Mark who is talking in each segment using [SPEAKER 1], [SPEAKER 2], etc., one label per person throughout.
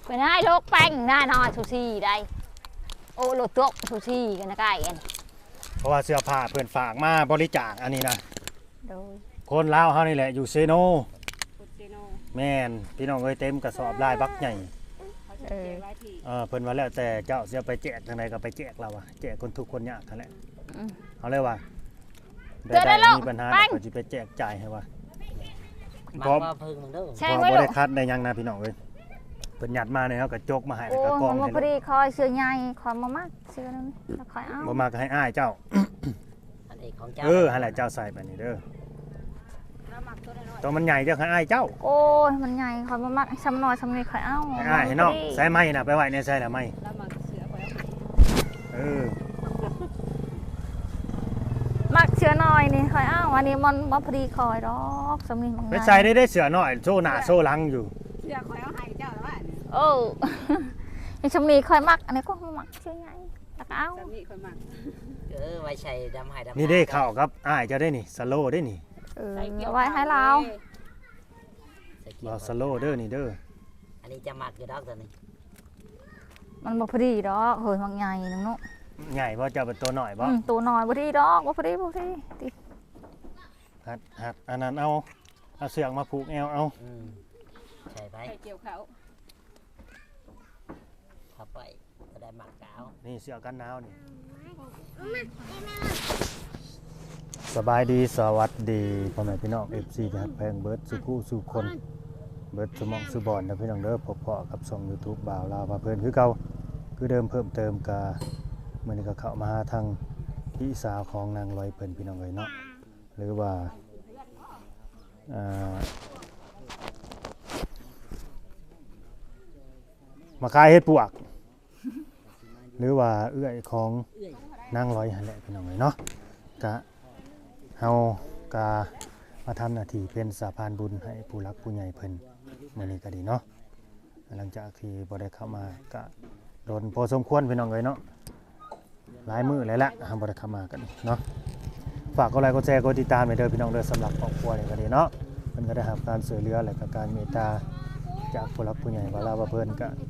[SPEAKER 1] เป็นให้โลกแป้งหน้านอนสุชีได้โอ้โลดตัวสุชีกันนะกายเอ็น
[SPEAKER 2] เพราะว่าเสื้อผ้าเพื่อนฝากมาบริจาคอันนี้นะ
[SPEAKER 1] โดย
[SPEAKER 2] คนลาวเฮานี่แหละอยู่เซโนแม่นพี่น้องเอ้ยเต็มกระสอบลายบักใหญ่เพิ่นว่าแล้วแต่เจ้าจะไปแจกทางไหนก็ไปแจกเราอะแจกคนทุกคนยากนั่นแหละเอาเลยว่าได้มีปัญหาก็สิไปแจกจ่ายให้ว่า
[SPEAKER 3] มาว่าเพิ่งมึงเด้อ
[SPEAKER 1] ใช่
[SPEAKER 2] บ่
[SPEAKER 1] ไหมลู
[SPEAKER 2] ได้
[SPEAKER 1] ก
[SPEAKER 2] คัดได้ยังนะพี่น้องเอ้ยเพิ่นหยัดมาเนี่ยเฮาก็จกมาให้แล้ว
[SPEAKER 1] โอ้
[SPEAKER 2] ก็กอง
[SPEAKER 1] มา
[SPEAKER 2] ให้
[SPEAKER 1] พอดีคอยเสื้อใหญ่คอยมามากเสื้อนึงแล้วคอยเอา
[SPEAKER 2] บ่มาก็ให้อ้ายเจ้า
[SPEAKER 3] อันเอกของเจ้า
[SPEAKER 2] ให้แหละเจ้าใส่ไปนี่เด้อตัวมันใหญ่เจ้าให้อ้ายเจ้า
[SPEAKER 1] โอ้ยมันใหญ่คอยมามากซ้ำน้อยซ้ำนี่คอยเอา
[SPEAKER 2] ให้อ้ายให้น้องใส่ไม้น่ะไปไว้ในใส่ละไม้
[SPEAKER 1] มักเสื้อน้อยนี่คอยเอาอันนี้มันมาพอดีคอยดอกซ้ำนี่มัน
[SPEAKER 2] ไปใส่ได้เสือน้อยโซ่หน้าโซ่หลังอยู่
[SPEAKER 4] เสื้อคอยเอาให้เจ้าแล้วว่า
[SPEAKER 1] โอ้ยซ้ำนี่คอยมักอันนี้ก็มักเสื้อใหญ่แล้วก็เอา
[SPEAKER 4] สามีคอยมัก
[SPEAKER 3] ไว้ใช้ดำหายดำ
[SPEAKER 2] นี่ได้เข้ากับอ้ายเจ้าได้นี่สโลได้นี่
[SPEAKER 1] เอาไว้ให้เรา
[SPEAKER 2] บ่สโลเด้อนี่เด้อ
[SPEAKER 3] อันนี้จะมักอยู่ดอกตัวนี้
[SPEAKER 1] มันบ่พอดีดอกเฮ้ยมันใหญ่นึงเนาะ
[SPEAKER 2] ใหญ่บ่เจ้าเป็นตัวน้อยบ่
[SPEAKER 1] ตัวน้อยบ่พอดีดอกบ่พอดีติ
[SPEAKER 2] หัดอันนั้นเอาเสือกมาผูกแอวเอา
[SPEAKER 3] ใช่ไป
[SPEAKER 4] ไปเกี่ยวเขา
[SPEAKER 3] เข้าไปก็ได้หมักกาว
[SPEAKER 2] นี่เสือกกันหนาวนี่สบายดีสวัสดีพ่อแม่พี่น้อง FC ที่ฮักแพงเบิร์ดสุคู่สู่คนเบิร์ดสมองสุบอนนะพี่น้องเด้อพบเพาะกับช่อง YouTube บ่าวลาวพาเพิ่นคือเก่าคือเดิมเพิ่มเติมกะมื้อนี้ก็เข้ามาทางพี่สาวของนางลอยเพิ่นพี่น้องเอ้ยเนาะหรือว่ามาขายเฮ็ดปวกหรือว่าเอื้อยของนางลอยหั่นแหละพี่น้องเอ้ยเนาะกะเฮากะมาทำหน้าที่เป็นสะพานบุญให้ผู้รักผู้ใหญ่เพิ่นมื้อนี้ก็ดีเนาะหลังจากที่บ่ได้เข้ามากะโดนพอสมควรพี่น้องเอ้ยเนาะหลายมื้อแล้วละเฮาบ่ได้เข้ามากันเนาะฝากกดไลค์กดแชร์กดติดตามไว้เด้อพี่น้องเด้อสำหรับครอบครัวนี่ก็ดีเนาะเพิ่นก็ได้รับการช่วยเหลือและก็การเมตตาจากผู้รักผู้ใหญ่ว่าลาว่าเพิ่นก็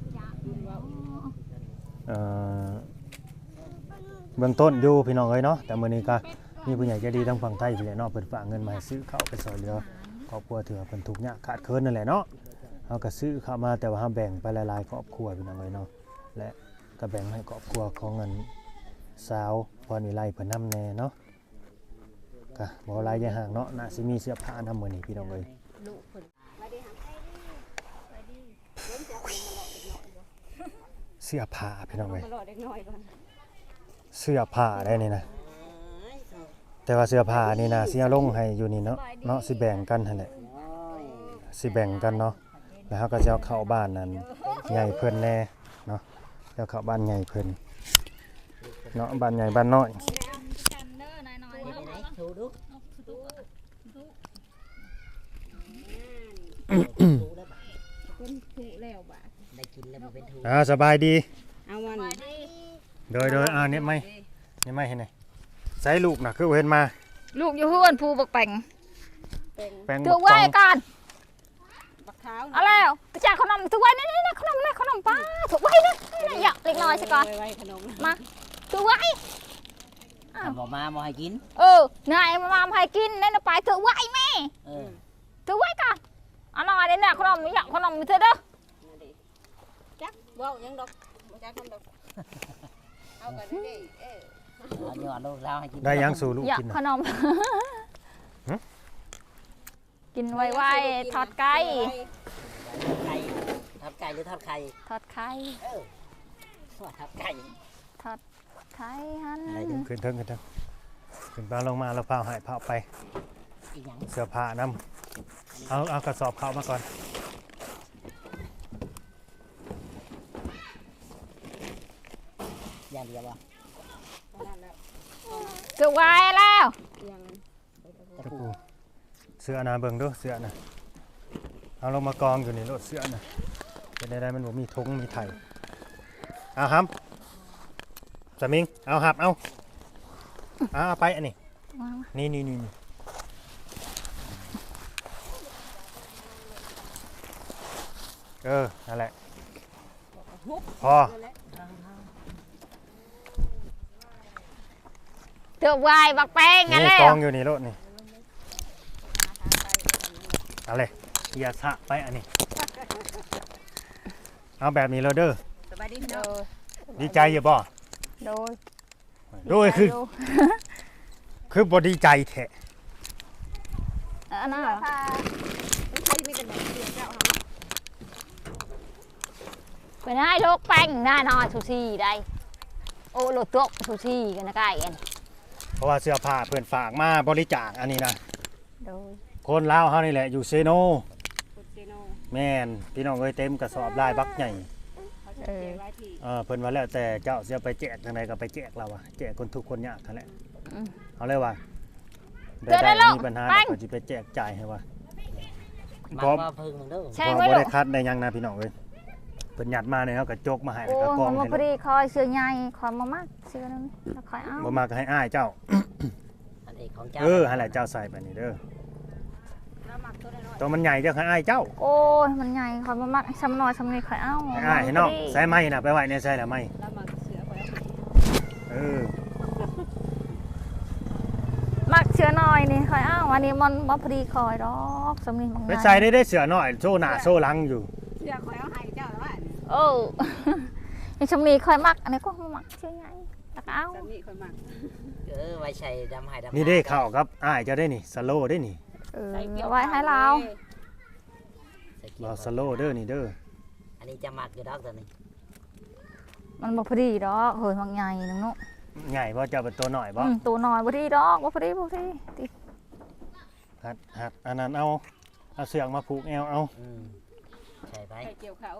[SPEAKER 2] เบื้องต้นอยู่พี่น้องเอ้ยเนาะแต่มื้อนี้ก็มีผู้ใหญ่ใจดีทางฝั่งไทยพี่แหละเนาะเพิ่นฝากเงินมาให้ซื้อข้าวไปช่วยเหลือครอบครัวที่ว่าเพิ่นทุกข์ยากขาดเคินนั่นแหละเนาะเฮาก็ซื้อเข้ามาแต่ว่าเฮาแบ่งไปหลายๆครอบครัวพี่น้องเอ้ยเนาะและก็แบ่งให้ครอบครัวของเงินสาวพรวิไลเพิ่นนำแน่เนาะก็บ่หลายอย่าห่างเนาะน่าสิมีเสื้อผ้านำมื้อนี้พี่น้องเอ้ยเสื้อผ้าพี่น้องเอ้ย
[SPEAKER 4] รอเด็กน้อยก่อน
[SPEAKER 2] เสื้อผ้าได้นี่นะแต่ว่าเสื้อผ้านี่นะสิเอาลงให้อยู่นี่เนาะสิแบ่งกันหั่นแหละสิแบ่งกันเนาะแล้วเฮาก็จะเอาเข้าบ้านนั้นใหญ่เพิ่นแน่เนาะแล้วเข้าบ้านใหญ่เพิ่นเนาะบ้านใหญ่บ้านน้อย
[SPEAKER 3] ถูดู
[SPEAKER 4] เป็นถูกแล้วบ่ะ
[SPEAKER 3] ได้กินแล้วมันเป็นถู
[SPEAKER 2] สบายดี
[SPEAKER 4] เอาวัน
[SPEAKER 2] โดยเนี่ยไม่เห็นไหนใส่ลูกน่ะคือเห็นมา
[SPEAKER 1] ลูกอยู่เฮือนผู้บักแป่ง
[SPEAKER 4] เป็น
[SPEAKER 2] แป้ง
[SPEAKER 1] ถือไว้กัน
[SPEAKER 4] บักเท้า
[SPEAKER 1] เอาแล้วไปจ่ายขนมถือไว้นี่ขนมนี่ขนมป้าถือไว้นะอย่าเล็กน้อยซะก่อน
[SPEAKER 4] ไว้ขนม
[SPEAKER 1] มาถือไว้
[SPEAKER 3] ทำบอกมาบ่ให้กิน
[SPEAKER 1] นายมาให้กินนั่นไปถือไว้แม่ ถือไว้ก่อนเอาหน่อยเดี๋ยวนะขนมอยากขนมเธอเด้อ
[SPEAKER 4] จักเว้ายังดอกจักคนดอกเอากันดิ
[SPEAKER 3] เอาหยอดลูกแล้วให้กิน
[SPEAKER 2] ได้ยังสู่ลูก
[SPEAKER 1] อยาก
[SPEAKER 2] กิน
[SPEAKER 1] ขนมกินไวๆทอดไก่
[SPEAKER 3] ไก่ทอดไก่หรือทอดไข่
[SPEAKER 1] ทอดไข่
[SPEAKER 3] ทอดไก่
[SPEAKER 1] ทอดไข่ฮัน
[SPEAKER 2] ขึ้นเทิงขึ้นไปลงมาแล้วพาหายพาไป
[SPEAKER 3] อีกอย่าง
[SPEAKER 2] เสื้อผ้านำเอากระสอบเข้ามาก่อน
[SPEAKER 3] อย่างเดียวบ่
[SPEAKER 1] ถือไว้แล้ว
[SPEAKER 2] ตะปูเสื้อนะเบิ่งดูเสื้อนะเอาลงมากองอยู่ในรถเสื้อนะเป็นได้มันบ่มีทุงมีไถ่เอาครับสมิงเอาหับเอาไปอันนี้นี่นั่นแหละ
[SPEAKER 4] ฮุบ
[SPEAKER 2] พอ
[SPEAKER 1] เถื่อวายบักแป้งกัน
[SPEAKER 2] นี่
[SPEAKER 1] แล้
[SPEAKER 2] ก
[SPEAKER 1] ว
[SPEAKER 2] องอยู่นี่รถนี่เอาเลยอย่าสะไปอันนี้เอาแบบนี้เลยเด้อ
[SPEAKER 4] สบายดีพี่
[SPEAKER 1] โด
[SPEAKER 4] น้อง
[SPEAKER 1] ย
[SPEAKER 2] ดีใจอยู่บ่
[SPEAKER 1] โดย
[SPEAKER 2] โดยคือบ่ดีใจแท้
[SPEAKER 1] อันนั้น
[SPEAKER 4] ถ้าไม่ใช่มีแต่หนังเดียวเจ้าค่ะ
[SPEAKER 1] เป็นให้ลูกแป้งหน้านอนซูซี่ได้โอ้โลดโต๊ะซูซี่กันนะไก่กัน
[SPEAKER 2] เพราะว่าเสื้อผ้าเพิ่นฝากมาบริจาคอันนี้นะ
[SPEAKER 1] โดย
[SPEAKER 2] คนลาวเฮานี่แหละอยู่เซโน
[SPEAKER 4] คุณเจโน
[SPEAKER 2] แม่นพี่น้องเอ้ยเต็มกระสอบลายบักใหญ่
[SPEAKER 4] เขาจะเก็บไว้ที่
[SPEAKER 2] เพิ่นว่าแล้วแต่เจ้าสิเอาไปแจกทางใดก็ไปแจกเราอะแจกคนทุกคนยากนั่นแหละเอาเลยว่าได้มีปัญหาเดี๋ยวก็สิไปแจกจ่ายให้ว่า
[SPEAKER 3] มั
[SPEAKER 2] ก็
[SPEAKER 3] กว่าพึ่งมึงเด้อ
[SPEAKER 1] ใช่
[SPEAKER 2] บ่
[SPEAKER 1] ไหม
[SPEAKER 2] บ่
[SPEAKER 1] ลู
[SPEAKER 2] ได้
[SPEAKER 1] ก
[SPEAKER 2] คัดได้หยังนะพี่น้องเอ้ยเพิ่นหยัดมาเนี่ยเฮาก็จกมาให้
[SPEAKER 1] โอ้
[SPEAKER 2] แล้วก็กอง
[SPEAKER 1] มา
[SPEAKER 2] ให้
[SPEAKER 1] พอดีคอยเสื้อใหญ่คอยมามากเสื้อนั้นแล้วคอยเอา
[SPEAKER 2] บ่มาก็ให้อ้ายเจ้า
[SPEAKER 3] อันเอกของเจ้า
[SPEAKER 2] หั่นแหละเจ้าใส่ไปนี่เด้อ
[SPEAKER 4] แล้วหมักตัวน้อย
[SPEAKER 2] ตัวมันใหญ่เจ้าให้อ้ายเจ้า
[SPEAKER 1] โอ้ยมันใหญ่คอยมามากซ้ำน้อยซ้ำนี่คอยเอา
[SPEAKER 2] ให้อ้ายให้น้องใส่ไม้น่ะไปไว้ในใส่ละไม้
[SPEAKER 4] ๆแล้วหมักเสือไว้ให้
[SPEAKER 2] เออ
[SPEAKER 1] มักเสื้อน้อยนี่คอยเอาอันนี้มันมาพอดีคอยดอกซ้ำนี่มัน
[SPEAKER 2] ไปใส่ได้เสือน้อยโซหน้าโซหลังอยู่
[SPEAKER 4] เสือคอยเอาให้เจ้าแล้วว่า
[SPEAKER 1] โอ้ยซ้ำนี่คอยมักอันนี้ก็มักเสื้อใหญ่แล้วก็เอา
[SPEAKER 4] สามีคอยหมัก
[SPEAKER 3] ไว้ใช้ดำให้ดำ
[SPEAKER 2] นี่ได้เข้าครับอ้ายเจ้าได้นี่สโลได้นี่
[SPEAKER 1] เออ
[SPEAKER 4] ใส่เกี่ยว
[SPEAKER 1] เอาไว้ให้เรา
[SPEAKER 3] ใส่เกี่
[SPEAKER 2] บ่
[SPEAKER 3] ยว
[SPEAKER 2] สโลเด้อนี่เด้อ
[SPEAKER 3] อันนี้จะหมักอยู่ดอกตัวนี้
[SPEAKER 1] มันบ่พอดีดอกเฮ้ยมันใหญ่นึงเนาะ
[SPEAKER 2] ใหญ่บ่เจ้าเป็นตัวน้อยบ่
[SPEAKER 1] ตัวน้อยบ่ดีดอกบ่พอดีบ่พอดีติ
[SPEAKER 2] หัดอันนั้นเอาเสือกมาผูกแอวเอา
[SPEAKER 3] ใช่ไป
[SPEAKER 4] ใส่เกี่ยวเขา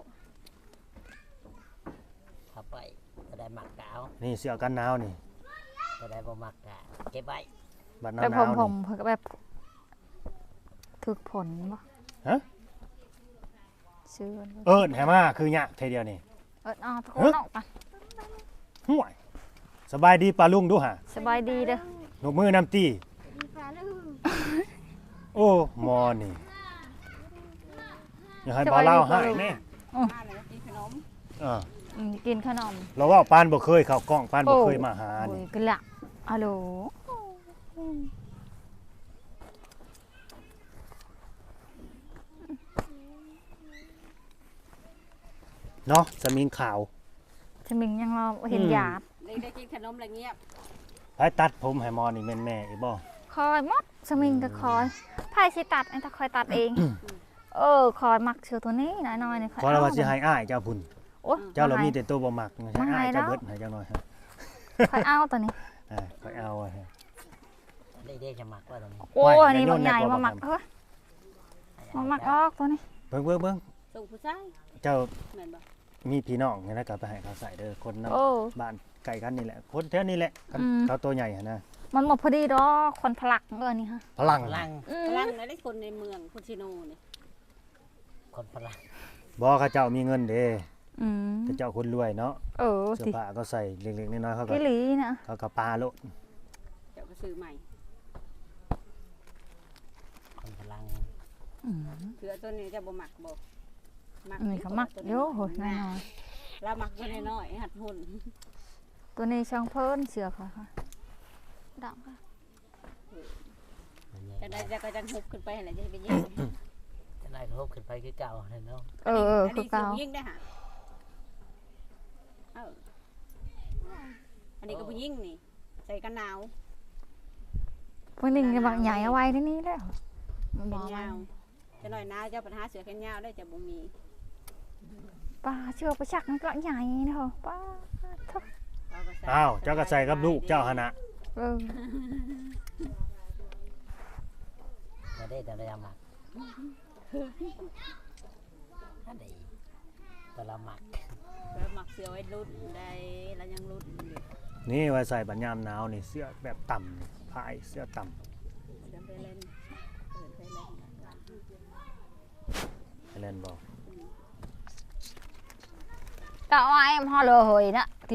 [SPEAKER 3] เข้าไปจะได้หมักกาว
[SPEAKER 2] นี่เสือกันหนาวนี่
[SPEAKER 3] จะได้บ่หมักกะเก็บไว้
[SPEAKER 2] บัดห
[SPEAKER 1] แบบ
[SPEAKER 2] นาว
[SPEAKER 1] ผ
[SPEAKER 2] นี่
[SPEAKER 1] มเพิ่นก็แบบถึกผลบ่
[SPEAKER 2] ฮะ
[SPEAKER 1] ซื้อ
[SPEAKER 2] เอิ้นให้มาคือยากเทเดียวนี่
[SPEAKER 1] เอาทุกคนออกไป
[SPEAKER 2] ห่วยสบายดีปลาลุงดูหะ
[SPEAKER 1] สบายดีเด้อ
[SPEAKER 2] หนกมือน้ำตีโอ้หมอนี่อย่าให้บ่าวเล่าให้แม่
[SPEAKER 4] มาเลยกินขนม
[SPEAKER 2] อ่า
[SPEAKER 1] กินขนม
[SPEAKER 2] เราว่าปานบ่เคยเข้ากล้องปานบ่เคยมาหา
[SPEAKER 1] โอ้
[SPEAKER 2] นี่
[SPEAKER 1] ยกะละฮัลโหล
[SPEAKER 2] เนาะสมิงขาว
[SPEAKER 1] ถ้ามิงยังรอเห็นหยาด
[SPEAKER 4] ได้กินขนมอะไรเงียบ
[SPEAKER 2] ให้ตัดผมให้หมอนี่แม่นแม่อีบ่
[SPEAKER 1] คอยหมดสมิงก็คอยไผสิตัดไอ้ตาคอยตัดเอง คอยมักเชือตัวนี้น้อยๆนี่คอย
[SPEAKER 2] ขอเราว่าสิให้อ้ายเจ้าพุ่น
[SPEAKER 1] โอ้ย
[SPEAKER 2] เจ้าเรามีแต่ตัวบ่มักให้
[SPEAKER 1] มาให้
[SPEAKER 2] อ้ายเจ้า
[SPEAKER 1] แล้ว
[SPEAKER 2] เบิดให้เจ้าหน่อยฮะ
[SPEAKER 1] คอยเอาตัวนี้
[SPEAKER 2] ค่อยเอาอะฮะ
[SPEAKER 3] ได้จะหมักว่าตัวนี้
[SPEAKER 1] โอ้
[SPEAKER 2] ไว้
[SPEAKER 1] ยนี่
[SPEAKER 2] อย่าโย
[SPEAKER 1] มัน นใหญ่
[SPEAKER 2] ในกระ
[SPEAKER 1] มาหมัก
[SPEAKER 2] เป๋า
[SPEAKER 1] เฮ้ยมาหมักออกตัวนี้
[SPEAKER 2] เบิ่งเบิ่งเบิ่ง
[SPEAKER 4] ส่งผู้ชาย
[SPEAKER 2] เจ้า
[SPEAKER 4] แม่นบ่
[SPEAKER 2] มีพี่น้องเนี่ยนะก็ไปให้เขาใส่เด้อคนนำ
[SPEAKER 1] โอ้
[SPEAKER 2] บ้านไก่กันนี่แหละคนแถวนี้แหละคัน
[SPEAKER 1] อืม
[SPEAKER 2] เขาตัวใหญ่หั่นนะ
[SPEAKER 1] มันหมดพอดีดอกคนพลักนี่ฮะ
[SPEAKER 2] พลัง
[SPEAKER 3] พลัง
[SPEAKER 4] พลังได้คนในเมืองพุชิโนนี่
[SPEAKER 3] คนพลัง
[SPEAKER 2] บ่เขาเจ้ามีเงินเด้
[SPEAKER 1] อืม
[SPEAKER 2] เขาเจ้าคนรวยเนาะ
[SPEAKER 1] เออ
[SPEAKER 2] เสื้อ
[SPEAKER 1] สิ
[SPEAKER 2] ผ้าก็ใส่เล็กๆน้อยๆเขาก็
[SPEAKER 1] กิลีนะ
[SPEAKER 2] เขาก็ปาโลด
[SPEAKER 4] เจ้าก็ซื้อใหม่
[SPEAKER 3] คนพลัง
[SPEAKER 1] อืม
[SPEAKER 4] เสือตัวนี้จะบ่หมักบ่หมัก
[SPEAKER 1] นี่เขามักโยโหยน้อย
[SPEAKER 4] เราหมักตัวน้อยๆหัดหุ่น
[SPEAKER 1] ๆตัวนี้ช่างเพิ่นเสือค่ะค่ะดังค่ะ
[SPEAKER 4] จะได้จะก็จะฮุบขึ้นไปอะไรจะไปยิง
[SPEAKER 3] จะได้ครบขึ้นไปคือเก่าเลยเนาะ
[SPEAKER 1] คือเก่า
[SPEAKER 4] ยิงได้ฮะอันนี้ก็ผู้ยิงนี่ ใส่กันหนาว
[SPEAKER 1] พวกนี้ก็บางใหญ่เอาไว้ที่นี่แล้วมัน
[SPEAKER 4] แข
[SPEAKER 1] บอน ก
[SPEAKER 4] ยาวจะหน่อยหนาวเจ้าปัญหาเสือแขนยาวได้จะบ่มี
[SPEAKER 1] ป้าเชื่อประชักมันก็ใหญ่นะเหรอป้าทุก
[SPEAKER 4] เราก็ใส่
[SPEAKER 2] อ้าวเจ้าก็ใส่กับลูกเจ้าหั่นน่ะ
[SPEAKER 1] เออ
[SPEAKER 3] จะได้แต่ละหมักถ้าได้แต่ละหมัก
[SPEAKER 4] แล้วหมักเสือไว้รุ่นได้แล้วยังรุ่นอยู่
[SPEAKER 2] นี่ไว้ใส่บัดยามหนาวนี่เสื้อแบบต่ำพายเสื้อต่ำ
[SPEAKER 4] เสือไปเล่นเปิดไปเล่น
[SPEAKER 2] ให้เล่นบ่
[SPEAKER 1] ก็เอาไอ้พ่อเลยเหยนะที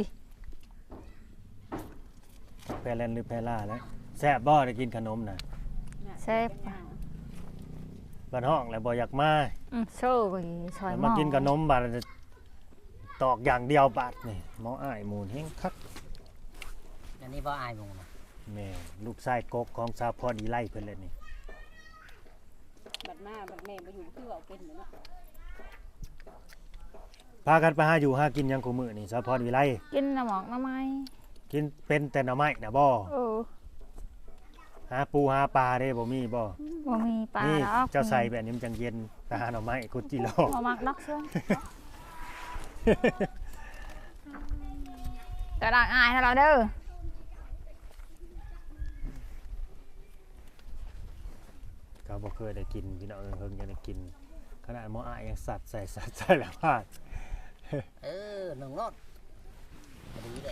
[SPEAKER 2] แพเล่นหรือแพล่าแล้วแซ่บบ่ได้กินขนมน่ะ
[SPEAKER 1] เซ่บ
[SPEAKER 2] บ้านห้องแล้วบ่อยากมา
[SPEAKER 1] โซ่ไปซอย
[SPEAKER 2] แล้ว
[SPEAKER 1] ห
[SPEAKER 2] มา
[SPEAKER 1] ม้อ
[SPEAKER 2] กินขนมบัดตอกอย่างเดียวบาดนี่หมออ้ายหมูนแฮงคัก
[SPEAKER 3] อันนี้บ่อายหมูนะ
[SPEAKER 2] แม่ลูกชายกกของสาพรอีไล่เพิ่นเลยนี่
[SPEAKER 4] บัดมาบัดแม่มาอยู่คือเอาเป็นเนาะ
[SPEAKER 2] พากันไปหาอยู่หากินหยังกูมื้อนี่สาพรอีไล่
[SPEAKER 1] กินน้ำหมอกน้ำไม้
[SPEAKER 2] กินเป็นแต่หน่อไม้น่ะบ่
[SPEAKER 1] เออ
[SPEAKER 2] หาปูหาปลาได้บ่มีบ่
[SPEAKER 1] บ่มีปลา
[SPEAKER 2] นี่
[SPEAKER 1] ดอก
[SPEAKER 2] เจ้าใส่แบบนี้มันจังเย็นไปหาหน่อไม้กุจิโล
[SPEAKER 1] บ่มักดอกเชิญกระดังอายให้เราเด้อ
[SPEAKER 2] ก็บ่เคยได้กินพี่น้องเพิ่งจะได้กินขนาดหมออ้ายยังสัตว์ใส่แล้วพาด
[SPEAKER 3] หนึ่งรถดีเลย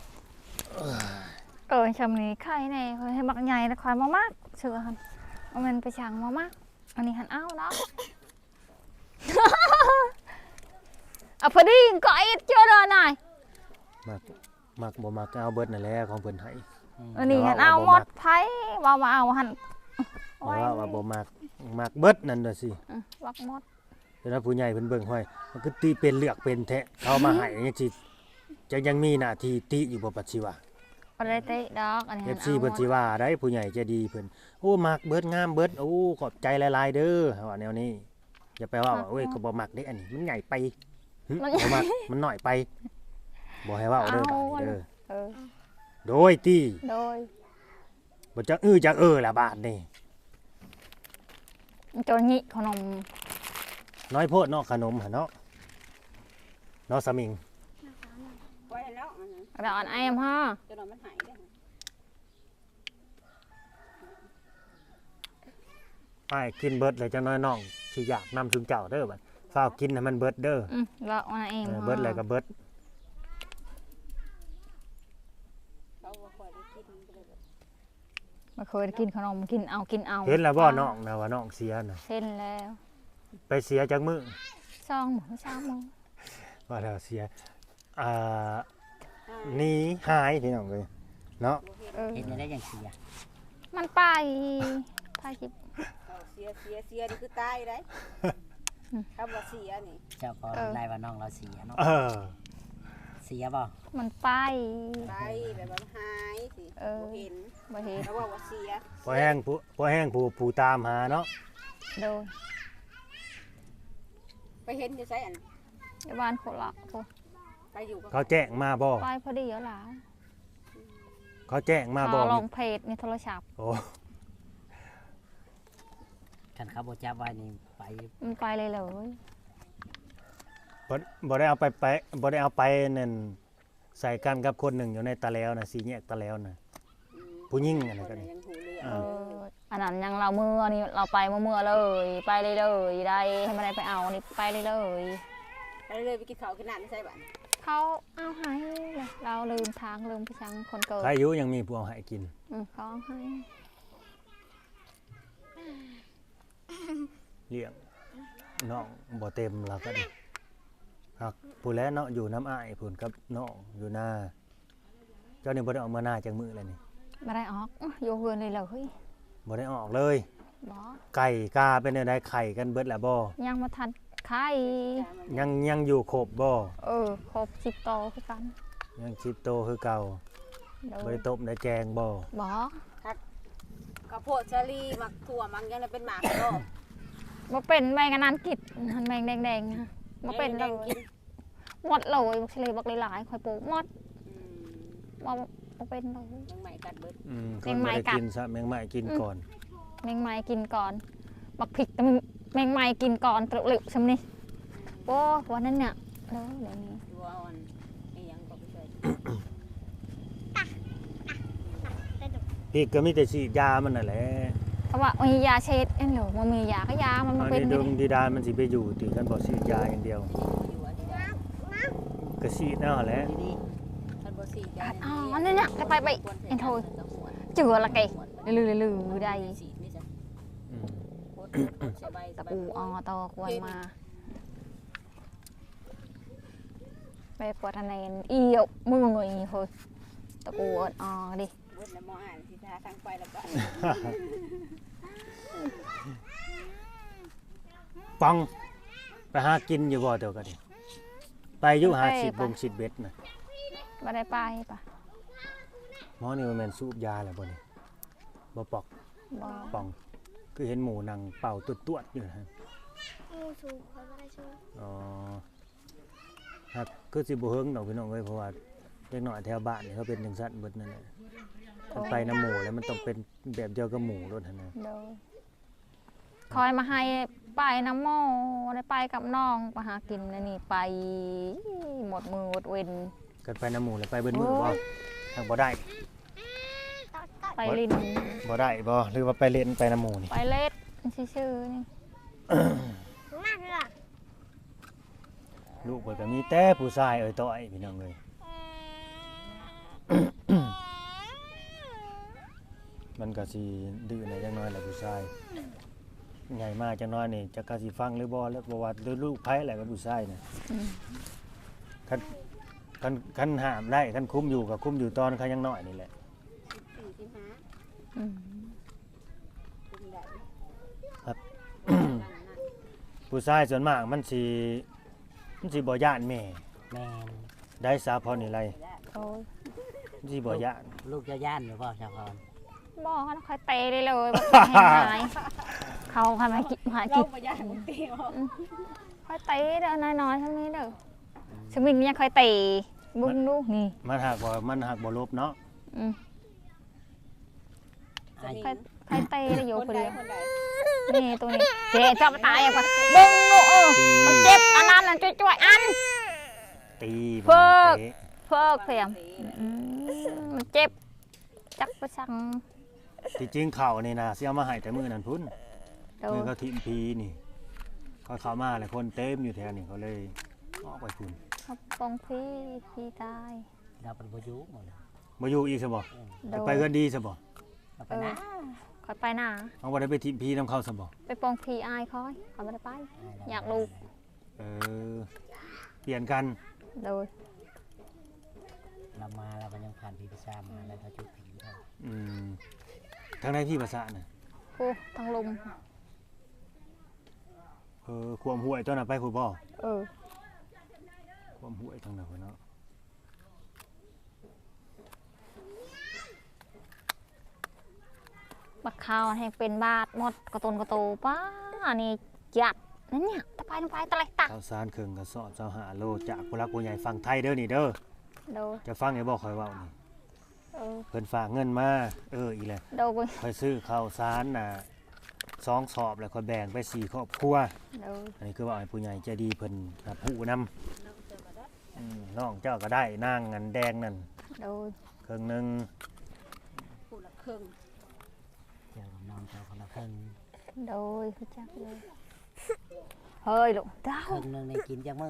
[SPEAKER 1] ชำนี้ไข่แน่เพิ่นให้บักใหญ่แล้วคอยมามากเชื่อหั่นเอามันไปช่างมามากอันนี้หันเอาเนาะ เอาพอดีก็ไอ้เจ้าเด้อน่ะ
[SPEAKER 2] มักบ่มักก็เอาเบิดนั่นแหละของเพิ่นให้
[SPEAKER 1] อันนี้หันเอาหมดไผว่ามาเอาหั่น
[SPEAKER 2] เพราะว่าบ่มักเบิดนั่นน่ะสิ
[SPEAKER 1] วักหมด
[SPEAKER 2] เดี๋ยวนะผู้ใหญ่เพิ่นเบิ่งห้อยมันคือตีเป็นเลือกเป็นแท้เขามาให้จังซี่จะยังมีหน้าที่ติอยู่บ่ปัจจุบัน
[SPEAKER 1] บ่ได้เตะดอกอันนี้หัน
[SPEAKER 2] FC เพิ่นสิว่าได้ผู้ใหญ่ใจดีเพิ่นโอ้มักเบิดงามเบิดโอ้ขอบใจหลายๆเด้อว่าแนวนี้อย่าไปว่าโอ้ยก็บ่มักเด้อันนี้มันใหญ่ไปหึบ่มักมันน้อยไปบ่ให้เว้าเด้อบัดนี้เด้อ
[SPEAKER 1] เออ
[SPEAKER 2] โดยที่
[SPEAKER 1] โดย
[SPEAKER 2] บ่จักจักล่ะบาดนี่
[SPEAKER 1] โจรญิขนม
[SPEAKER 2] น้อยโพดเนาะขนมหั่นเนาะเนาะสมิง
[SPEAKER 4] ไว้แล้วอันนั้น
[SPEAKER 1] กระดอนไอ้ฮะ
[SPEAKER 4] จนมันหายได้
[SPEAKER 2] อ้ายกินเบิดเลยจังน้อยน้องสิอยากนำถึงเจ้าเด้อบัดฟ้าวกินให้มันเบิดเด้อ
[SPEAKER 1] แล้วอันเอง
[SPEAKER 2] เบิดเลยก็เบิด
[SPEAKER 4] เขาบ่ค่อยได้กินเลย
[SPEAKER 1] มาเคยกินขนมกินเอากินเอา
[SPEAKER 2] เห็นแล้วบ่น้องนะว่าน้องเสียน่ะ
[SPEAKER 1] เห็นแล้ว
[SPEAKER 2] ไปเสียจักมื้อ
[SPEAKER 1] ซองหมูซองหมู
[SPEAKER 2] ว่าแล้วเสียหนีหายพี่น้องเอ้ยเนาะ
[SPEAKER 1] เออ
[SPEAKER 3] เห็นได้อย่างเสีย
[SPEAKER 1] มันไปคิด
[SPEAKER 4] เอาเสียนี่คือตายได้ถ้าบ่เสียนี่
[SPEAKER 3] เจ้าก็ได้ว่าน้องเราเสียเนาะ
[SPEAKER 2] เออ
[SPEAKER 3] เสียบ่
[SPEAKER 1] มันไป
[SPEAKER 4] ไปแบบว่าหายสิ
[SPEAKER 1] เออ
[SPEAKER 4] บ่เห็น
[SPEAKER 1] บ่เห็น
[SPEAKER 4] แล้วว่าเสีย
[SPEAKER 2] พอแห้งผู้ตามหาเนาะ
[SPEAKER 1] โดย
[SPEAKER 4] ไปเห็นอยู่ไสอัน
[SPEAKER 1] ในบ้านโคละโอ้
[SPEAKER 4] ไปอยู่กับ
[SPEAKER 2] เขาแจ้งมาบ่
[SPEAKER 1] ไปพอดีแล้วล่ะ
[SPEAKER 2] เขาแจ้งมาบ่
[SPEAKER 1] ลงเพจในโทรศัพท์
[SPEAKER 2] โอ้
[SPEAKER 3] คันเขาบ่จับไว้นี่ไป
[SPEAKER 1] มันไปเลยเลย
[SPEAKER 2] บ่ได้เอาไปบ่ได้เอาไปนั่นใส่กันกับคนหนึ่งอยู่ในตะแล้วน่ะสีแยกตะแล้วน่ะผู้หญิงอะไร
[SPEAKER 4] ค
[SPEAKER 2] กัน น
[SPEAKER 4] น่ะ
[SPEAKER 2] นี่
[SPEAKER 4] ยังหูเรือ
[SPEAKER 2] อ่า
[SPEAKER 1] อันนั้นยังเราเมื่อนี่เราไปเมื่อเลยไปเลยเลยได้ให้ไม่ได้ไปเอานี่ไปเลยเลย
[SPEAKER 4] ไปเลยไปกินข้าวกินน้ำไม่ใช่บ้าน
[SPEAKER 1] เขาเอาให้เลยเราลืมทางลืมพี่ชังคนเกิด
[SPEAKER 2] ใครอยู่ยังมีผู้เอาให้กิน
[SPEAKER 1] เขาเอาให้
[SPEAKER 2] เลี้ยงน้องบ่เต็มแล้วก็ดิหักผู้แลเนาะอยู่น้ำอ้ายพุ่นกับน้องอยู่หน้าเจ้านี่บ่ได้ออกมาหน้าจังมื้อแล้วนี่
[SPEAKER 1] ไม่ได้ออกอยู่เฮือนเลยเลย
[SPEAKER 2] บ่ได้ออกเลย
[SPEAKER 1] บอ
[SPEAKER 2] ไก่กาเป็นได้ไข่กันเบิดแล้วบ่
[SPEAKER 1] ยังมาทันไข่
[SPEAKER 2] ยังอยู่ครบบ่
[SPEAKER 1] ครบ10โตคือกัน
[SPEAKER 2] ยังชิดโตคือเก่า
[SPEAKER 1] โด
[SPEAKER 2] บ่
[SPEAKER 1] ย
[SPEAKER 2] ได้ต้มได้แกงบ่
[SPEAKER 1] บอ
[SPEAKER 4] ข้าวโพดชะลีหมักถั่วมังยังเป็นหมากก็
[SPEAKER 1] มาเป็นแมงอันนั้นกิดหันแมงแดงๆนะมาเป็นเลยหมดเลยบักเลยบักหลายๆคอยปลูกหมดมาเป็นเลย
[SPEAKER 4] ยังใหม่กัดเบิด
[SPEAKER 2] คนบ่ได้กินซะแมงไม้กินก่อน
[SPEAKER 1] แมงไม้กินก่อนบักผิกแต่แมงไม้กินก่อนตรุหลิวชำนี่โอ้วันนั้นเนี่ยเดี๋ยวนี้
[SPEAKER 4] ดูอ่อนนี่ยังก็ไปช่วย
[SPEAKER 2] พี่ก็มีแต่ฉีดยามันนั่นแหละ
[SPEAKER 1] เพราะว่ามียาเช็ดเอ็นหรือมันมียาก็ยามันมา
[SPEAKER 2] อัน
[SPEAKER 1] เป็น
[SPEAKER 2] นี้
[SPEAKER 1] อ
[SPEAKER 2] ด
[SPEAKER 1] ยู่
[SPEAKER 2] วงดีดานมันสิไปอยู่ติกันบ่ฉีดยาอย่างเดียว
[SPEAKER 4] อยู่อันนี้
[SPEAKER 2] ก็ฉีดเอาแหละ
[SPEAKER 3] ดี
[SPEAKER 4] ท่านบ่สีได้
[SPEAKER 1] อ๋อนี่เนี่ยไปเอ็นโทยเจือละไกลือได้
[SPEAKER 4] สีนี่จ้ะ
[SPEAKER 2] อืม
[SPEAKER 4] โคตรสบาย
[SPEAKER 1] ตะปูอ๋อตอควรมาไปปวดทะเลนเอี่ยวมือเงยเฮ้ยตะปูอ๋อดิ
[SPEAKER 4] เบิดแล้วมออ่านสิทาทางไปแล้วก็
[SPEAKER 2] ปังไปหากินอยู่บ่เดี๋ยวก็ดิไปอยู่หา
[SPEAKER 1] ไป
[SPEAKER 2] สิบ
[SPEAKER 1] ไป
[SPEAKER 2] บงสิบเบ็ดน่ะ
[SPEAKER 1] บ่ได้ไปปะ
[SPEAKER 2] หมอนี่มันแม่นสูบยาแล้วบ่นี่บ่ปอก
[SPEAKER 1] บ่
[SPEAKER 2] ป่องคือเห็นหมูนั่งเป่าตวดๆอยู่นะฮะ
[SPEAKER 5] งูสูงเขาไม่ได้ช่วย
[SPEAKER 2] อ๋อครับคือสิบ่เฮิงดอกพี่น้องเอ้ยเพราะว่าเด็กน้อยแถวบ้านนี่เขาเป็นจังซั่นเบิดนั่นแหละมันไปน้ำหมูแล้วมันต้องเป็นแบบเดียวกับหมูรถหั่นนะ
[SPEAKER 1] โดยคอยมาให้ไปน้ำหม้อได้ไปกับน้องไปหากินแล้วนี่ไปหมดมือหมดเวน
[SPEAKER 2] กันไปน้ำหมูแล้วไปเบิดมือบ่ทางบ่ได้
[SPEAKER 1] ไปลิน
[SPEAKER 2] บ่ได้บ่หรือว่าไปเล่นไปน้ำหมูนี่
[SPEAKER 1] ไปเล็ดชื่อๆนี่
[SPEAKER 5] มากเลยอ่ะ
[SPEAKER 2] ลูกเพิ่นก็มีแต่ผู้ชายเอ้ยต้อยพี่น้องเอ้ย มันก็สิดื้อในจังน้อยแหละผู้ชายใหญ่มากจังน้อยนี่จะกะสิฟังหรือบ่แล้วบ่ว่าด้วยลูกไผแหละก็ผู้ชายน่ะ
[SPEAKER 1] อืม
[SPEAKER 2] คันห้ามได้คันคุมอยู่ก็คุมอยู่ตอนเขายังน้อยนี่แหละ
[SPEAKER 1] อืม
[SPEAKER 2] ผู้ชายส่วนมากมันสิบ่ย่านแม่
[SPEAKER 3] แม่น
[SPEAKER 2] ได้สาพรนี่ไร
[SPEAKER 1] โอ้ย
[SPEAKER 2] มันสิบ่ย่าน
[SPEAKER 3] ลูกจะย่านหรือเปล่าชาวพร
[SPEAKER 1] บ่เขาคอยเตะได้เลยบ่ให้หายเขาทำให้กินหา
[SPEAKER 4] เรา
[SPEAKER 1] กิน
[SPEAKER 4] บ่ย่านมึงตีออก
[SPEAKER 1] คอยเตะเด้อน้อยๆเท่านี้เด้อสมิงเนี่ยคอยเตะบึ้งลูกนี่
[SPEAKER 2] มันหักบ่ลบเนาะ
[SPEAKER 1] อืม
[SPEAKER 3] ไอ้
[SPEAKER 1] ใครเตะได้อยู่
[SPEAKER 4] คน
[SPEAKER 1] คน
[SPEAKER 4] ใด
[SPEAKER 1] เดียว
[SPEAKER 4] คนใด
[SPEAKER 1] นี่ตัวนี้เจ๊จับตายอ่ะปะบึ้งลูกมันเจ็บอันนั้นน่ะจ่วยๆอัน
[SPEAKER 2] ตี
[SPEAKER 1] เพิก
[SPEAKER 2] เตะ
[SPEAKER 1] เพิกเพียมมันเจ็บจักประชัง
[SPEAKER 2] ที่จริงเข่านี่นะสิเอามาให้แต่มื้อนั้นพุ่น
[SPEAKER 1] โด
[SPEAKER 2] มือน เขาทิ่มพีนี่เขาเข้ามาหลายคนเต็มอยู่แถวนี้เขาเลยออกไปพุ่น
[SPEAKER 1] เขาปองพี่ตาย
[SPEAKER 3] เราเป็นพายุหมดเลย
[SPEAKER 2] บ่อยู่อีกซะบ่
[SPEAKER 1] โดน
[SPEAKER 2] ไปเฮือนดีซะบ่
[SPEAKER 3] เราไปนะ
[SPEAKER 1] คอยไปหนา
[SPEAKER 2] เอาบ่ได้ไปทิ่มพีนํเขาซะบ่
[SPEAKER 1] ไปปองพี่อายคอยเขาไม่ได้ไป อยากลูก
[SPEAKER 2] เออเปลี่ยนกัน
[SPEAKER 1] โดย
[SPEAKER 3] เรามาเรามันยังผ่านพีพิซซ่ามาแล้วเราจุดผีเรา
[SPEAKER 2] อืมทางใดพี่ภาษาน่ะ
[SPEAKER 1] ผู้ทั้งลุม
[SPEAKER 2] ความห้วยตัวน่ะไปผู้บ่
[SPEAKER 1] เออ
[SPEAKER 2] ความห้วยทางนั้นพุ่นเนาะ
[SPEAKER 1] บักข้าวให้เป็นบาทหมดกระตุนกระโตป้านี่จัดนั่นเนี่ยตะไปลงไปตะไรตัก
[SPEAKER 2] ข้าวสารเครื่องกระสอบ25โลจากผู้รักผู้ใหญ่ฝั่งไทยเด้อนี่เด้อ
[SPEAKER 1] โดย
[SPEAKER 2] จะฟังให้บ่ค่อยเว้านี่
[SPEAKER 1] เออ
[SPEAKER 2] เพิ่นฝากเงินมาอีแหละ
[SPEAKER 1] โดย
[SPEAKER 2] ค่อยซื้อข้าวสารน่ะ2สอบแล้วค่อยแบ่งไป4ครอบครัว
[SPEAKER 1] โดย
[SPEAKER 2] อันนี้คือว่าให้ผู้ใหญ่ใจดีเพิ่นรับผู้นำน้องเจ้าก็ได้นางอันแดงนั่น
[SPEAKER 1] โดย
[SPEAKER 2] เครื่องหนึง
[SPEAKER 4] ผู้ละครึ่ง
[SPEAKER 3] เจอกับน้องเจ้าคนละครึ่ง
[SPEAKER 1] โดยรู้จักเลยเฮ้ยลูกเด้า
[SPEAKER 3] ครึ่งหนึงในกินจากมื้อ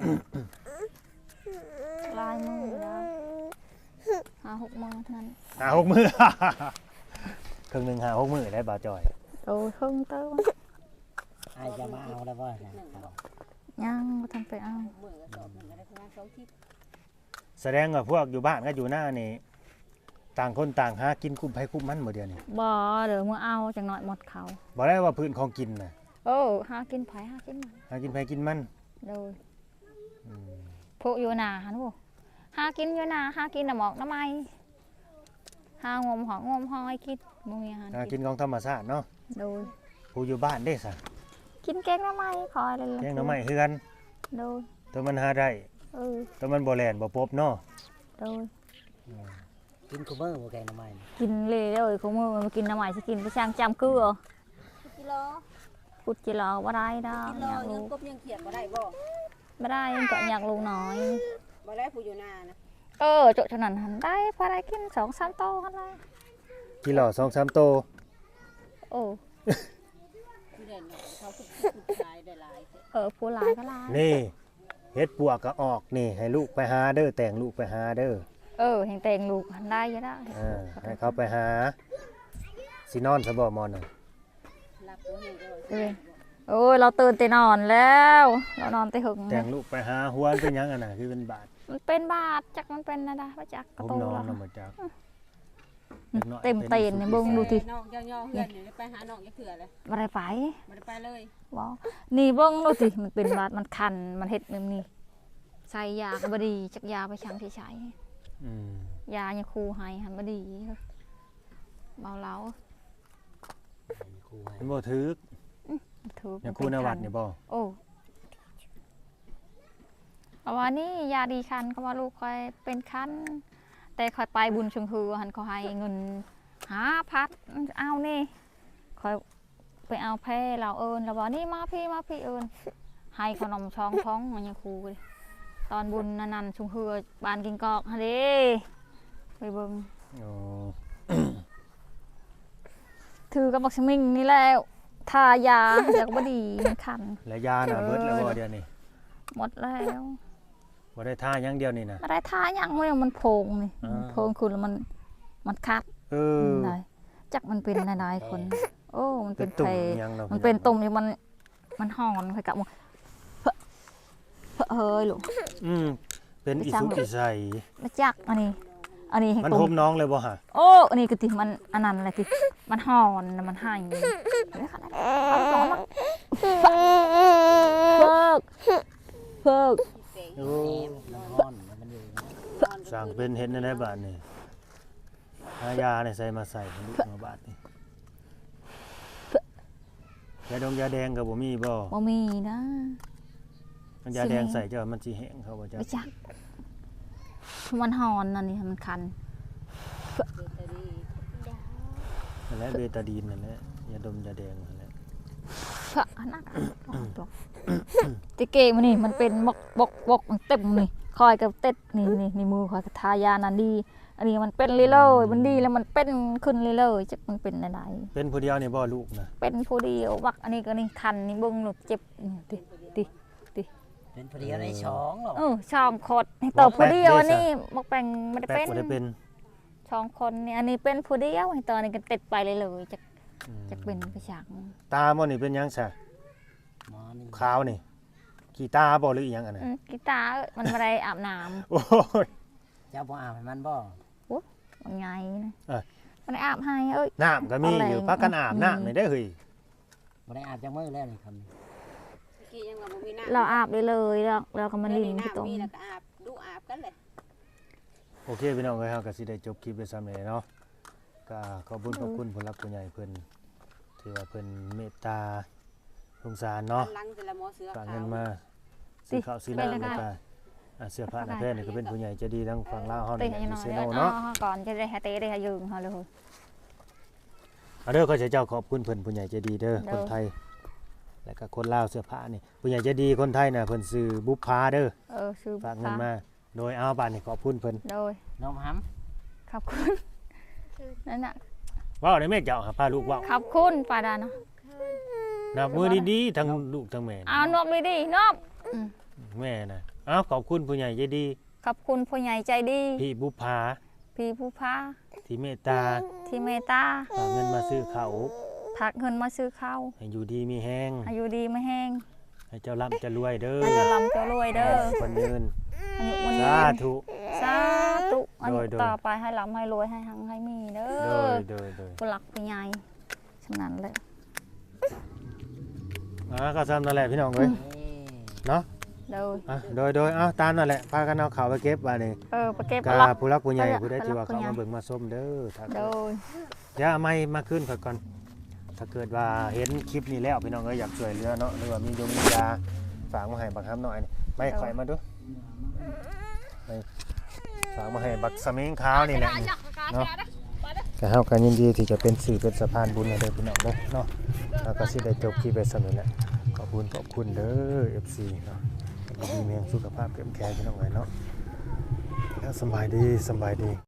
[SPEAKER 1] ลายมือแล้ว5-6 โมงเท่านั้น
[SPEAKER 2] 5-6 มื้อ เครื่องหนึง5-6 มื้อได้บ่าวจอย
[SPEAKER 1] โดยครึ่งเติม
[SPEAKER 3] ไอ้จะมาเอาแล้วบ่นะเอา
[SPEAKER 1] ยังบ่ทันไปเอา
[SPEAKER 4] มือก็สอบหนึ่งก็ได้ประมาณ2ทิศ
[SPEAKER 2] แสดงว่าพวกอยู่บ้านก็อยู่หน้านี่ต่างคนต่างหากินคุ้มไผคุ้มมันบ่เดียวนี่
[SPEAKER 1] บ่เดี๋ยวมื้อเอาจังหน่อยหมดเขา
[SPEAKER 2] บ่ได้ว่าพื้นของกินน่ะ
[SPEAKER 1] โอ้หากินไผหากินมัน
[SPEAKER 2] หากินไผกินมัน
[SPEAKER 1] โดย
[SPEAKER 2] อืม
[SPEAKER 1] พวกอยู่นาหันบ่หากินอยู่นาหากินน้ำหมอกน้ำไม้หางมหองมหอยกินบ่มีอาหาร
[SPEAKER 2] หากิ
[SPEAKER 1] กิ
[SPEAKER 2] น
[SPEAKER 1] น
[SPEAKER 2] ของธรรมชาติเนาะ
[SPEAKER 1] โดย
[SPEAKER 2] ผู้อยู่บ้านเด้ซะ
[SPEAKER 1] กินแกงน้ำไม้คอยเลย
[SPEAKER 2] แกงหน่อไม้คือกัน
[SPEAKER 1] โดย
[SPEAKER 2] ตัวมันหาได้
[SPEAKER 1] เออ
[SPEAKER 2] ตัวมันบ่แล่นบ่ปบเนาะ
[SPEAKER 1] โดย
[SPEAKER 3] กินคูเมอร์บ่แกงหน้ำมัน
[SPEAKER 1] กินเลยของมือมากินน้ำไม้สิกินไปช่างจำเกลือ
[SPEAKER 4] กิโล
[SPEAKER 1] พูดจิรอบ่ได้ดอก
[SPEAKER 4] กิโล
[SPEAKER 1] อยาก
[SPEAKER 4] ยั
[SPEAKER 1] รู้
[SPEAKER 4] งกบยังเขียดบ่ได้บ่
[SPEAKER 1] บ่ได้ยังก็อยากรู้น้อย
[SPEAKER 4] บ่ได้ผู้อยู่นานะ
[SPEAKER 1] เออโจทย์เท่านั้นหันได้พอได้กิน2-3โตหันละ
[SPEAKER 2] กิโล2-3โต
[SPEAKER 1] โอ้
[SPEAKER 4] ผู้เด่นน่ะเขาขุดขายได้หลายเด้อ
[SPEAKER 1] ผู้หลายก็หลาย
[SPEAKER 2] นี่เฮ็ดปวกก็ออกนี่ให้ลูกไปหาเด้อแต่งลูกไปหาเด้อ
[SPEAKER 1] แห่งแต่งลูกหันได้อยู่ได้
[SPEAKER 2] ให้เขาไปหาสินอนซะบ่มอนน่ะ
[SPEAKER 4] รับบ่เห็นได้ว่า
[SPEAKER 1] เออโอ้ยเราตื่นแต่นอนแล้วเรานอนแต่หึง
[SPEAKER 2] แต่งลูกไปหาหัวเป็นหยังอ่ะน่ะคือเป็นบาด
[SPEAKER 1] มันเป็นบาดจักมันเป็นนะดาว่าจักกระ
[SPEAKER 2] ผม
[SPEAKER 1] โต
[SPEAKER 2] นอน
[SPEAKER 1] แล้ว
[SPEAKER 2] นำบ่จัก
[SPEAKER 1] เต็มเตีนเนี่ยเบิ่งดูที
[SPEAKER 4] น้องย่อๆเฮือนนี่ไปหาน้องจักเทื่อเลย
[SPEAKER 1] บ่ได้ไป
[SPEAKER 4] บ่ได้ไปเลย
[SPEAKER 1] บ่นี่เบิ่งดูสิมันเป็นบาดมันคันมันเฮ็ดแบบนี้ใส่ยาก็บ่ดีจักยาไปชังที่ใช้
[SPEAKER 2] อืม
[SPEAKER 1] ยายังครูให้หันบ่ดีเมาเหล้า
[SPEAKER 3] มีครูให้
[SPEAKER 2] มันบ่ถึก
[SPEAKER 1] ถูก
[SPEAKER 2] อย่างครูนวัดนี่บ่
[SPEAKER 1] โอ้เอาว่านี่ยาดีคันก็ว่าลูกคอยเป็นคันแต่คอยไปบุญชงฮือหันเขาให้เงิน5,000เอานี่คอยไปเอาแพ้เราเอิญเราบอกนี่มาพี่เอิญให้ขนมช่องท้องมันยังครูเลยตอนบุญนันชงฮือบานกินกอกฮะเด้ไปเบิ่ง
[SPEAKER 2] โอ้
[SPEAKER 1] ถือกับบักชมิงนี่แล้วทายาอยากบ่ดีมันคัน
[SPEAKER 2] แล้วยาน่ะเบิดแล้วบ่เดี๋ยวนี้
[SPEAKER 1] หมดแล้ว
[SPEAKER 2] บ่ได้ทาอย่างเดียวนี่นะ
[SPEAKER 1] อะไรทายังไม่มันโพงนี่
[SPEAKER 2] อ่า
[SPEAKER 1] โพงคุณแล้วมันคัด
[SPEAKER 2] เออ
[SPEAKER 1] ได้จักมันเป็นนายๆคน โอ้มัน
[SPEAKER 2] เป็
[SPEAKER 1] เป็น น
[SPEAKER 2] ตุ่
[SPEAKER 1] แผ
[SPEAKER 2] ม
[SPEAKER 1] ล
[SPEAKER 2] อิหยังเนาะ
[SPEAKER 1] มันเป็นตุ่มนี่มันห่อนค่อยกลับมาเฮ้ยลูก
[SPEAKER 2] อืมเป็นอีสุกอีใส
[SPEAKER 1] มาจักอันนี้ให้
[SPEAKER 2] มัน
[SPEAKER 1] ตุ่
[SPEAKER 2] ห่
[SPEAKER 1] ม
[SPEAKER 2] มน้องเลยบ่ฮะ
[SPEAKER 1] โอ้อันนี้ก็ติมันอันนั้นแหละติมันห่อนน่ะมันให้เอาต่อมาเพิก
[SPEAKER 2] โอ้
[SPEAKER 3] มันร้อนมันอยู่
[SPEAKER 2] สั่งเป็นเห็นในบ้านนี่หายาเนี่ยใส่มาใส่ลูกมาบาดนี่ยาดองยาแดงก็บ่มีบ่
[SPEAKER 1] บ่มีนะ
[SPEAKER 2] มันยาแดงใส่เจ้ามันสิแห้งเขาบ่จ้ะ
[SPEAKER 1] ไม่จักมันห่อนนั่นนี่มันคัน
[SPEAKER 2] นั่นแหละเบตาดีนนั่นแหละยาดมยาแดงนั่นแหละ
[SPEAKER 1] พระนักติเกมันนี่มันเป็นบกมันเต็มนี่คอยกับเต็ดนี่มือคอยกับทายานันดีอันนี้มันเป็นเลยมันดีแล้วมันเป็นขึ้นเลยจักมันเป็นอะไร
[SPEAKER 2] เป็นผู้เดียวนี่บ่ลูกนะ
[SPEAKER 1] เป็นผู้เดียวบักอันนี้ก็นี่คันนี่เบิ่งลูกเจ็บติ
[SPEAKER 3] เป็นพอดีอะไรช้องหรอก
[SPEAKER 1] ช่องคดให้ต่อผู้เดียวอันนี้บักแปงไม่ได้
[SPEAKER 2] แป๊ก
[SPEAKER 1] เป็น
[SPEAKER 2] บ่ได้เป็น
[SPEAKER 1] ช่องคนนี่อันนี้เป็นผู้เดียวให้ต่อนี่ก็ติดไปเลยจัก
[SPEAKER 2] อืม
[SPEAKER 1] จักเป็นไปฉาก
[SPEAKER 2] ตาบ่นี่เป็นหยังซะ
[SPEAKER 3] หมอนี่
[SPEAKER 2] ขาวนี่ขี้ตาบ่หรืออีหยังอันนั้น
[SPEAKER 1] กีตาร์มันไม่ได้อาบน้
[SPEAKER 2] โอ้ย
[SPEAKER 3] เจ้าบ่อาบให้มันบ่
[SPEAKER 1] ำมันไงนะ
[SPEAKER 2] เอ้ย
[SPEAKER 1] มันได้อาบให้เอ้ย
[SPEAKER 2] น้ำก็มีอยู่พักกันอาบน้ำนี่ได้อเฮ้ย
[SPEAKER 3] บ่ได้อาบจังมื้อแล้วนี่คำนี้
[SPEAKER 4] กี้ยังว่าบ่มีน้ำ
[SPEAKER 1] เราอาบเลยเราก็มาลินที่ตรง
[SPEAKER 4] มีแล้วก็อาบดูอาบกันเลย
[SPEAKER 2] โอเคพี่น้องเอ้ยเฮาก็สิได้จบคลิปไปซ้ำนี้เนาะก็ขอบคุณผู้รักผู้ใหญ่เพิ่นที่ว่าเพิ่นเมตตาสงสารเนาะ
[SPEAKER 4] ลังแต่ละหมอเสือ
[SPEAKER 2] ฝาก
[SPEAKER 4] ขา
[SPEAKER 2] เงิ
[SPEAKER 4] วน
[SPEAKER 2] มาซื้อข้าวซื้อน้ำแล้วก็เสื้อผ้าหน้าแพทย์นี่ก็เป็นผู้ใหญ่ใจดีทั้งฝั่งลาวเฮา
[SPEAKER 1] ตี
[SPEAKER 2] นี่
[SPEAKER 1] ให้ห
[SPEAKER 2] มี
[SPEAKER 1] น่อย
[SPEAKER 2] เซ
[SPEAKER 1] เด้
[SPEAKER 2] โน
[SPEAKER 1] อ
[SPEAKER 2] เนาะ
[SPEAKER 1] ก่อนจะได้ให้เตะได้ให้ยืงเขาเลย
[SPEAKER 2] เอาเด้อขอเจ้าขอบคุณเพิ่นผู้ใหญ่ใจดีเด้อ
[SPEAKER 1] เด้อ
[SPEAKER 2] คนไทย แล้วก็คนลาวเสื้อผ้านี่ผู้ใหญ่ใจดีคนไทยน่ะเพิ่นซื้อบุพภาเด้อ
[SPEAKER 1] ซื้อ
[SPEAKER 2] ฝากเงินมาโดยเอาบาทนี่ขอบคุณเพิ่น
[SPEAKER 1] โดย
[SPEAKER 3] น้องหำ
[SPEAKER 1] ขอบคุณนั่นน่ะ
[SPEAKER 2] เว้าได้แม่เจ้าหาพาลูกเว้า
[SPEAKER 1] ขอบคุณปาดาเนาะ
[SPEAKER 2] นับมือดีๆทั้งลูกทั้งแม่
[SPEAKER 1] เอานบเลยดินบ
[SPEAKER 2] แม่น่ะเอาขอบคุณผู้ใหญ่ใจดี
[SPEAKER 1] ขอบคุณผู้ใหญ่ใจดี
[SPEAKER 2] พี่บุพภา
[SPEAKER 1] พี่ผู้พา
[SPEAKER 2] ที่เมตตา
[SPEAKER 1] ที่เมตตา
[SPEAKER 2] ฝากเงินมาซื้อข้าว
[SPEAKER 1] ผักเงินมาซื้อข้าว
[SPEAKER 2] ให้อยู่ดีมีแห้ง
[SPEAKER 1] อายุดีไม่แห้ง
[SPEAKER 2] ให้เจ้าร่ำจะรวยเด้อ
[SPEAKER 1] อาจจะลำจะรวยเด้อ
[SPEAKER 2] คนเงิน
[SPEAKER 1] อายุวัน
[SPEAKER 2] สา
[SPEAKER 1] นี้
[SPEAKER 2] ธุ
[SPEAKER 1] สาธุอัน
[SPEAKER 2] โดย
[SPEAKER 1] ต่อไปให้ลำให้รวยให้หังให้มีเด้
[SPEAKER 2] โด
[SPEAKER 1] อย
[SPEAKER 2] โดย
[SPEAKER 1] ผู้หลักผู้ใหญ่ฉะนั้นเลย
[SPEAKER 2] ก็ซ้ำนั่นแหละพี่น้องเอ้ยเนาะ
[SPEAKER 1] โดย
[SPEAKER 2] โดยตามนั่นแหละพากันเอาข่าวไปเก็บมานี่
[SPEAKER 1] ไปเก็บ
[SPEAKER 2] กา
[SPEAKER 1] หลัก
[SPEAKER 2] ผู้รักผู้ใหญ่
[SPEAKER 1] ไปละ
[SPEAKER 2] ผู้ได้ที่ว่า
[SPEAKER 1] ผู้
[SPEAKER 2] เขา
[SPEAKER 1] ใหญ่
[SPEAKER 2] มาเบิ่งมาส้มเด้อถ้า
[SPEAKER 1] โดย
[SPEAKER 2] อย่าเอาไม่มาขึ้นค่อยก่อนถ้าเกิดว่าเห็นคลิปนี้แล้วพี่น้องเอ้ยอยากช่วยเหลือเนาะหรือว่ามียาฝากมาให้บักคำหน่อยนี่ไม่ข่อยมาดูไม่ฝากมาให้บักสมิงขาวนี่แหละนี่เนาะก็เฮากันยินดีที่จะเป็นสื่อเป็นสะพานบุญให้เด้อพี่น้องเด้อเนาะแล้วก็สิได้จบคลิปไปซั่นนี่แหละขอบคุณเด้อ FC เนาะดีมีสุขภาพเข้มแข็งพี่น้องเอ้ยเนาะแล้วสำบายดี